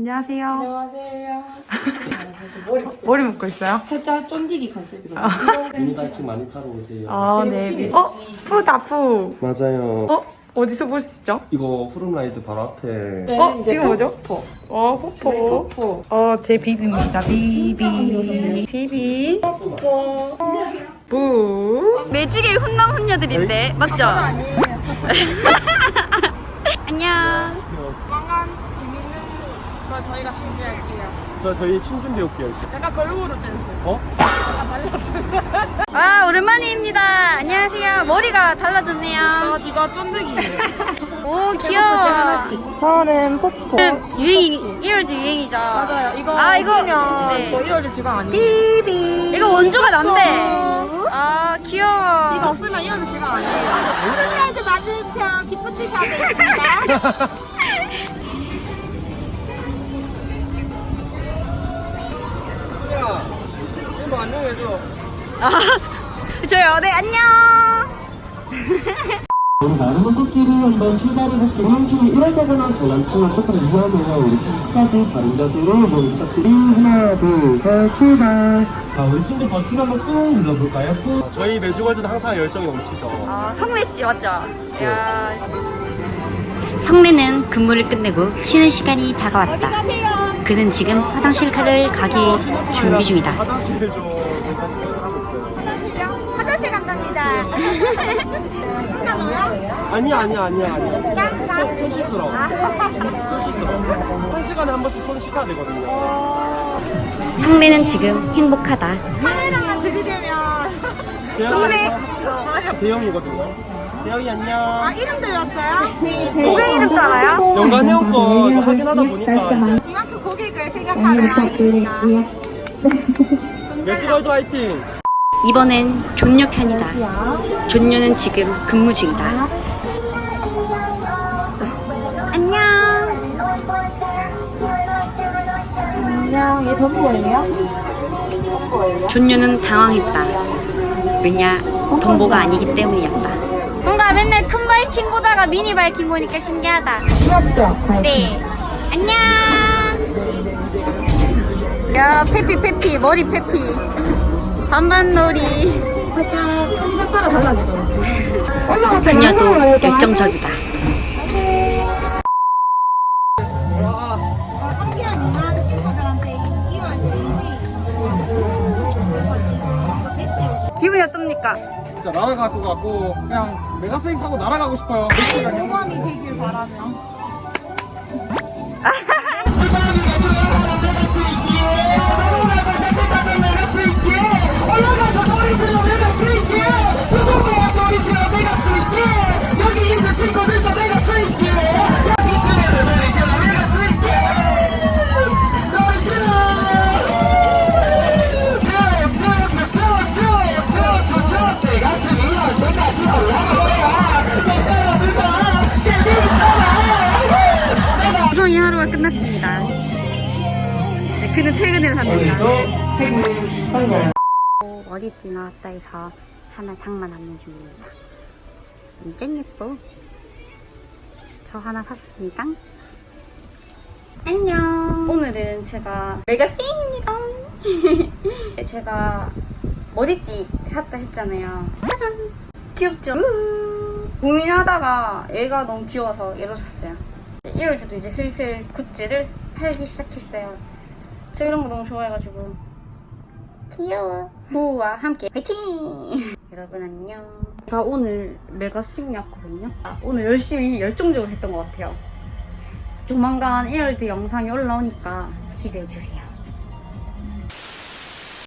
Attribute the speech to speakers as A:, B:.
A: 안녕하세요.
B: 안녕하세요.
A: 머리 묶고 있어요?
B: 살짝 쫀디기 컨셉으로.
C: 미니바이킹 많이 타러 오세요.
A: 아, 네. 푸다, 푸.
C: 맞아요.
A: 어디서 볼 수 있죠?
C: 이거 푸른라이드 바로 앞에.
B: 네, 이제
A: 지금 뭐죠?
B: 포.
A: 호포.
B: 포.
A: 제 비비입니다. 비비.
B: 포.
A: 부.
D: 매직의 훈남 훈녀들인데 맞죠?
B: 아니에요.
D: 안녕.
B: 조만간 재밌는 거 저희가 준비할게요.
C: 저희 춤 준비 올게요.
B: 약간 걸그룹 댄스.
D: 와 오랜만입니다. 안녕하세요. 머리가 달라졌네요.
B: 이거 쫀득이에요.
D: 오 귀여워.
B: 저는 포포.
D: 유행 1월도 유행이죠.
B: 맞아요. 이거
D: 이거
B: 쓰면
D: 네.
B: 또 1월도 지각 아니에요.
D: 이거 원조가 난데. 아 귀여워.
B: 이거 없으면 1월도 지각 아니에요.
E: 푸른라이드 맞은편 기프트샵에 있습니다.
C: 야, 이거 안녕해줘.
D: 저요. 네 안녕.
F: 나름은 꽃길을 한번 출발을 할게요. 운행중에 1월자거나 장난치면 조금 위험해요. 우리 끝까지 바른 자세로 몸 부탁드립니다. 하나, 둘, 셋, 출발. 자, 우리 친구 버튼 한번 꾹 눌러볼까요? 꾹.
C: 저희 매주월드는 항상 열정이 넘치죠.
D: 성래 씨 맞죠? 야. 성래는 근무를 끝내고 쉬는 시간이 다가왔다. 그는 지금 화장실 가기 준비 중이다.
C: 화장실 좀 하고 있어요.
E: 화장실요? 화장실 간답니다. 괜찮아요?
C: 아니야.
E: 짠.
C: 손 씻으러. 손 씻으러. 한 시간에 한 번씩 손 씻어야 되거든요.
D: 성래는 지금 행복하다.
E: 카메라만 들이대면
C: 대형이거든요. 대형이 안녕.
E: 이름도 외웠어요?
D: 고객 이름도 알아요?
C: 연간 회원권 확인하다 보니까 이제
E: 이만큼 고객을 생각하는 아이입니다.
C: 매주월드 화이팅!
D: 이번엔 존녀 편이다. 존녀는 지금 근무 중이다. 안녕.
E: 안녕, 얘 덤보예요?
D: 존녀는 당황했다. 왜냐, 덤보가 아니기 때문이었다. 뭔가 맨날 큰 바이킹 보다가 미니 바이킹 보니까 신기하다.
E: 귀엽죠?
D: 네. 안녕. 야, 페피. 머리 페피. 반반놀이.
B: 살짝 컨셉 따라 달라지더라고요.
D: 그녀도 열정적이다.
E: 함께한 이만 친구들한테 인기만 드리지. 그래서 지금 이거 배지
D: 기분이 어떻습니까?
G: 진짜 날아갈 것 같고 그냥 메가스윙 타고 날아가고 싶어요.
E: 모감이 되길 바라며.
D: 방송이 하루가 끝났습니다. 네, 그는 퇴근을 합니다. 머리띠 나왔다 해서 하나 장만하는 중입니다. 완전 예뻐. 저 하나 샀습니다. 안녕. 오늘은 제가 메가스윙입니다. 제가 머리띠 샀다 했잖아요. 짜잔. 귀엽죠? 고민하다가 얘가 너무 귀여워서 얘로 샀어요. 1월도 이제 슬슬 굿즈를 팔기 시작했어요. 저 이런 거 너무 좋아해가지고 귀여워. 부와 함께 화이팅! 여러분 안녕. 제가 오늘 메가스윙이었거든요. 오늘 열심히 열정적으로 했던 것 같아요. 조만간 1월드 영상이 올라오니까 기대해주세요.